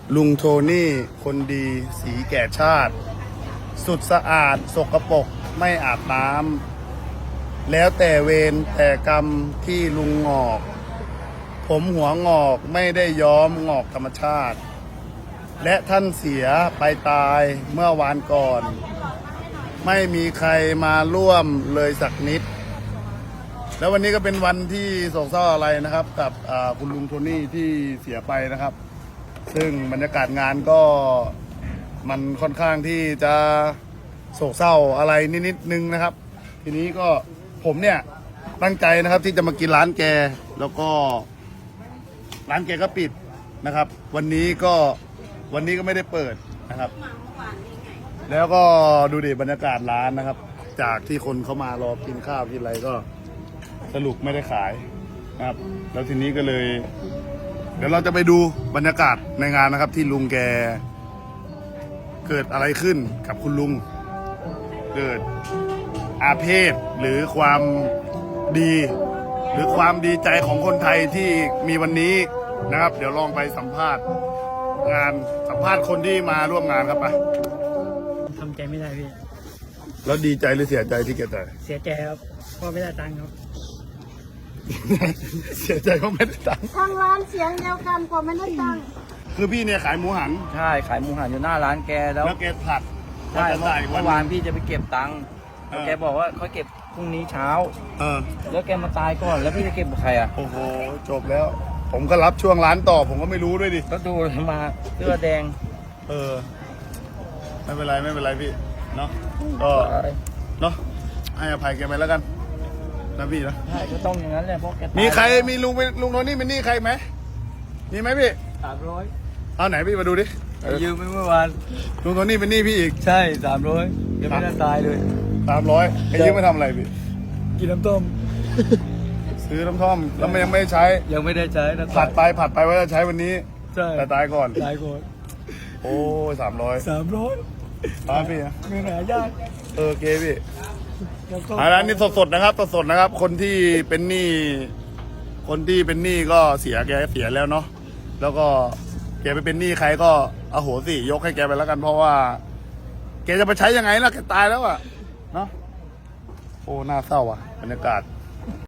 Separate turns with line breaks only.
ลุงโทนี่คนดีสีแก่ชาติ สุดสะอาดสกปรกไม่อาบน้ำแล้วแต่เวรแต่กรรมที่ลุงงอก ผมหัวงอกไม่ได้ย้อมงอกธรรมชาติ และท่านเสียไปตายเมื่อวานก่อน ไม่มีใครมาร่วมเลยสักนิด แล้ววันนี้ก็เป็นวันที่โศกเศร้าอะไรนะครับ กับคุณลุงโทนี่ที่เสียไปนะครับ ซึ่งบรรยากาศงานก็มันค่อนข้างที่จะโศกเศร้าอะไรนิดนึงนะครับ ทีนี้ก็ผมเนี่ยตั้งใจนะครับที่จะมากินร้านแกแล้วก็ร้านแกก็ปิดนะครับ วันนี้ก็ไม่ได้เปิดนะครับ แล้วก็ดูดิบรรยากาศร้านนะครับ จากที่คนเขามารอกินข้าวกินอะไรก็สรุปไม่ได้ขายนะครับ แล้วทีนี้ก็เลย เดี๋ยวเราจะไปดูบรรยากาศในงานนะครับ ที่ลุงแกเกิดอะไรขึ้นกับคุณลุง เกิดอาเพศหรือความดี หรือความดีใจของคนไทยที่มีวันนี้นะครับ เดี๋ยวลองไปสัมภาษณ์งานสัมภาษณ์คนที่มาร่วมงานครับไป
ทำใจไม่ได้พี่
แล้วดีใจหรือเสียใจที่แกตาย
เสียใจครับเพราะไม่ได้ตังค์ครับ
เสียใจเพราะไม่ได้ตังค์
ทางร้านเสียงเดียวกันกว่าไม่ได้ตังค์
คือพี่เนี่ยขายหมูหัน
ใช่ขายหมูหันอยู่หน้าร้านแกแล้ว
แล้วแกผัด
ใช่
จะได้อีก
เมื่อ
ห
วาน
ง
พี่จะไปเก็บตังค์
เออ
แกบอกว่าเขาเก็บพรุ่งนี้เช้า
เออ
แล้วแกมาตายก่อนแล้วพี่จะเก็บกับใครอ่ะ
โอ้โหจบแล้ว ผมก็รับช่วงร้านต่อ ผมก็ไม่รู้ด้วยดิ
ก็ดูมาเสื้อแดง
เออ ไม่เป็นไรไม่เป็นไรพี่เนาะก็เนาะให้อภัยแกไปแล้วกันนะพี่นะ
ใช่ก็ต้องอย่างนั้นแหละเพราะแกตาย
มีใครมีลุงโทนี่เป็นหนี้ใครไหมมีไหมพี่
300
เอาไหนพี่มาดูดิ
ยืมไปเมื่อวาน
ลุงโทนี่เป็นหนี้พี่อีก
ใช่300ยังไม่ได้ตายเลย
300ไอ้ยืมไปทำอะไรพี่
กินน้ำต้ม
ซื้อน้ำท่อมแล้วมันยังไม่ได้ใช้
ยังไม่ได้ใช้นะ
ผัดไปว่าจะใช้วันนี้
ใช่
แต่ตายก่อน
ตายก่อน
โอ้ย300
300
ตายพี่นะ
เงินหายาก
เออเกพี่อันนี้สดๆนะครับสดๆนะครับ คนที่เป็นหนี้ก็เสียแกเสียแล้วเนาะแล้วก็แกไปเป็นหนี้ใครก็อโหสิยกให้แกไปแล้วกัน เพราะว่า แกจะไปใช้ยังไงล่ะแกตายแล้วอะเนาะโอ้น่าเศร้าอ่ะบรรยากาศ